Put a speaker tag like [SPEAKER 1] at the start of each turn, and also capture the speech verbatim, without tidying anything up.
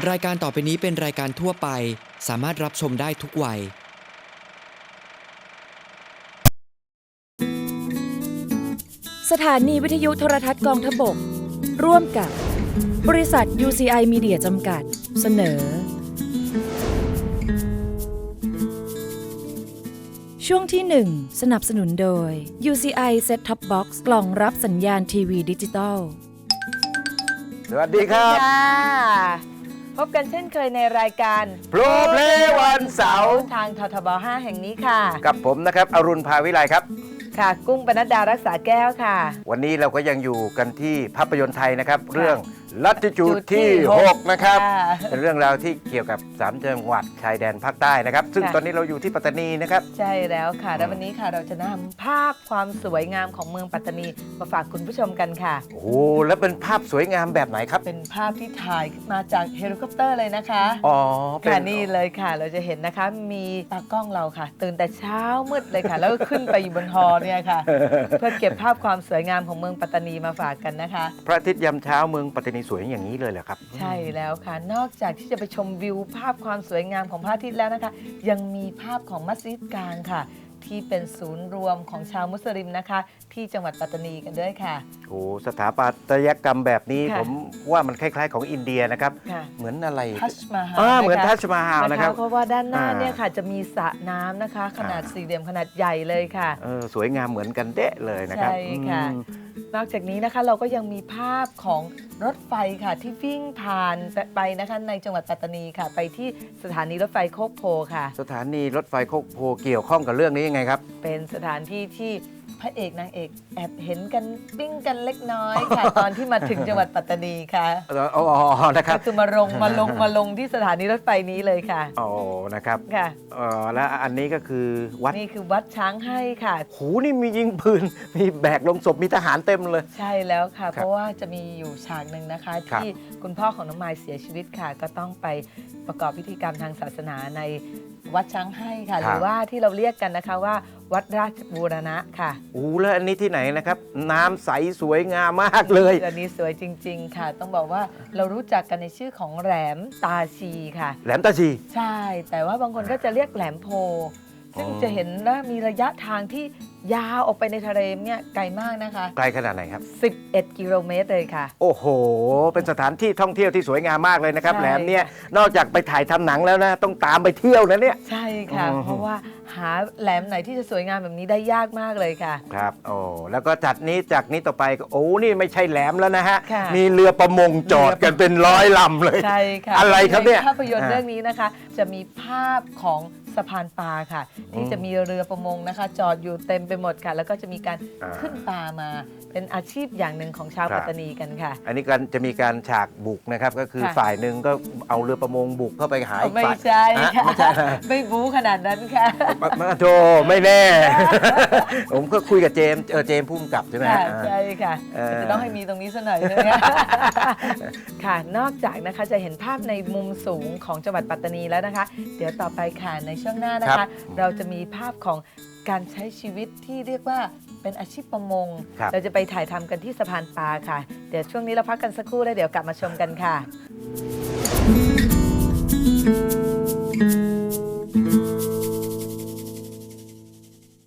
[SPEAKER 1] รายการต่อไปนี้เป็นรายการทั่วไปสามารถรับชมได้ทุกวัย
[SPEAKER 2] สถานีวิทยุโทรทัศน์กองทพบกร่วมกับบริษัท ยู ซี ไอ Media จำกัดเสนอช่วงที่หนึ่งสนับสนุนโดย ยู ซี ไอ Set Top Box กล่องรับสัญญาณทีวีดิจิตอล
[SPEAKER 3] สวัสดีครับ
[SPEAKER 4] พบกันเช่นเคยในรายการ
[SPEAKER 3] โปรเพลย์วันเสาร์
[SPEAKER 4] ทางททบห้าแห่งนี้ค่ะ
[SPEAKER 3] กับผมนะครับอรุณภาวิไลครับ
[SPEAKER 4] ค่ะกุ้งปนัดดารักษาแก้วค่ะ
[SPEAKER 3] วันนี้เราก็ยังอยู่กันที่ภาพยนตร์ไทยนะครับเรื่องลัติจูดที่หกนะครับเป็นเรื่องราวที่เกี่ยวกับสามจังหวัดชายแดนภาคใต้นะครับซึ่งตอนนี้เราอยู่ที่ปัตตานีนะครับ
[SPEAKER 4] ใช่แล้วค่ะแล้ววันนี้ค่ะเราจะนำภาพความสวยงามของเมืองปัตตานีมาฝากคุณผู้ชมกันค่ะ
[SPEAKER 3] โอ้แล้วเป็นภาพสวยงามแบบไหนครับ
[SPEAKER 4] เป็นภาพที่ถ่ายมาจากเฮลิคอปเตอร์เลยนะคะ
[SPEAKER 3] อ๋อ
[SPEAKER 4] ค่ะนี่เลยค่ะเราจะเห็นนะคะมีตากล้องเราค่ะตื่นแต่เช้ามืดเลยค่ะแล้วก็ขึ้นไปอยู่บนฮอเนี่ยค่ะเพื่อเก็บภาพความสวยงามของเมืองปัตตานีมาฝากกันนะคะ
[SPEAKER 3] พระอาทิตย์ยามเช้าเมืองปัตตานีสวยอย่างนี้เลยเหรอครับ
[SPEAKER 4] ใช่แล้วค่ะนอกจากที่จะไปชมวิวภาพความสวยงามของพระอาทิตย์แล้วนะคะยังมีภาพของมัสยิดกลางค่ะที่เป็นศูนย์รวมของชาวมุสลิมนะคะที่จังหวัดปัตตานีกันด้วยค่ะ
[SPEAKER 3] โอ้สถาปัตยกรรมแบบนี้ผมว่ามันคล้ายๆของอินเดียนะครับเหมือนอะไร
[SPEAKER 4] ทัชมาฮาล
[SPEAKER 3] เหมือนทัชมาฮาลนะครับ
[SPEAKER 4] เพราะว่าด้านหน้าเนี่ยค่ะจะมีสระน้ำนะคะขนาดสี่เหลี่ยมขนาดใหญ่เลยค่ะ
[SPEAKER 3] เออสวยงามเหมือนกันเด๊ะเลยนะครับ
[SPEAKER 4] ใช่ค่ะนอกจากนี้นะคะเราก็ยังมีภาพของรถไฟค่ะที่วิ่งผ่านไปนะคะในจังหวัดปัตตานีค่ะไปที่สถานีรถไฟโคกโพค่ะ
[SPEAKER 3] สถานีรถไฟโคกโพเกี่ยวข้องกับเรื่องนี้ยังไงครับ
[SPEAKER 4] เป็นสถานที่ที่พระเอกนางเอกแอบเห็นกันปิ้งกันเล็กน้อยค่ะ ตอนที่มาถึงจังหวัดปัตตานีค่ะ
[SPEAKER 3] อ๋อนะครับ
[SPEAKER 4] คือมาลงมาลงมาลงที่สถานีรถไฟนี้เลยค่ะ
[SPEAKER 3] อ๋อนะครับ
[SPEAKER 4] ค่ะ
[SPEAKER 3] อ๋อแล้วอันนี้ก็คือวัด
[SPEAKER 4] นี่คือวัดช้างให้ค่ะ
[SPEAKER 3] โหนี่มียิงปืนมีแบกลงศพมีทหารเต็มเลย
[SPEAKER 4] ใช่แล้วค่ะเพราะว่าจะมีอยู่ฉากหนึ่งนะคะที่คุณพ่อของน้องมายเสียชีวิตค่ะก็ต้องไปประกอบพิธีกรรมทางศาสนาในวัดช้างให้ค่ะหรือว่าที่เราเรียกกันนะคะว่าวัดราชบูรณะค่ะ
[SPEAKER 3] โอ้แล้วอันนี้ที่ไหนนะครับน้ำใสสวยงามมากเลย
[SPEAKER 4] อันนี้สวยจริงๆค่ะต้องบอกว่าเรารู้จักกันในชื่อของแหลมตาชีค่ะ
[SPEAKER 3] แหลมตาชี
[SPEAKER 4] ใช่แต่ว่าบางคนก็จะเรียกแหลมโพซึ่งจะเห็นว่ามีระยะทางที่ยาวออกไปในทะเลเนี่ยไกลมากนะคะ
[SPEAKER 3] ไกลขนาดไหนครับ
[SPEAKER 4] สิบเอ็ดกิโลเมตรเลยค่ะ
[SPEAKER 3] โอ้โหเป็นสถานที่ท่องเที่ยวที่สวยงามมากเลยนะครับแหลมเนี่ยนอกจากไปถ่ายทำหนังแล้วนะต้องตามไปเที่ยวนะเนี่ย
[SPEAKER 4] ใช่ค่ะเพราะว่าหาแหลมไหนที่จะสวยงามแบบนี้ได้ยากมากเลยค่ะ
[SPEAKER 3] ครับโอ้แล้วก็จัดนี้จากนี้ต่อไปโอ้นี่ไม่ใช่แหลมแล้วนะฮะมีเรือประมงจอดกันเป็นร้อยลำเลย
[SPEAKER 4] ใช่ค่ะ
[SPEAKER 3] อะไรครับเนี่ย
[SPEAKER 4] ภาพยนตร์เรื่องนี้นะคะจะมีภาพของสะพานปลาค่ะที่จะมีเรือประมงนะคะจอดอยู่เต็มไปหมดค่ะแล้วก็จะมีการขึ้นปลามาเป็นอาชีพอย่างหนึ่งของชาวปัตตานีกันค่ะ
[SPEAKER 3] อันนี้กันจะมีการฉากบุกนะครับก็คือฝ่ายหนึ่งก็เอาเรือประมงบุกเข้าไปหาอีกฝ่าย
[SPEAKER 4] ไม่ใช่ค่ะไม่ใช่ไม่บู๊ขนาดนั้นค่ะ
[SPEAKER 3] มาโธ่ไม่แน่ ผมก็คุยกับเจมส์เออเจมส์พุ่มกับใช่ไหม
[SPEAKER 4] ใช่ค่ะจะต้องให้มีตรงนี้ซะหน่อยนึงค่ะนอกจากนะคะจะเห็นภาพในมุมสูงของจังหวัดปัตตานีแล้วนะคะเดี๋ยวต่อไปค่ะในช่วงหน้านะคะเราจะมีภาพของการใช้ชีวิตที่เรียกว่าเป็นอาชีพประมงเราจะไปถ่ายทำกันที่สะพานปลาค่ะเดี๋ยวช่วงนี้เราพักกันสักครู่แล้วเดี๋ยวกลับมาชมกันค่ะ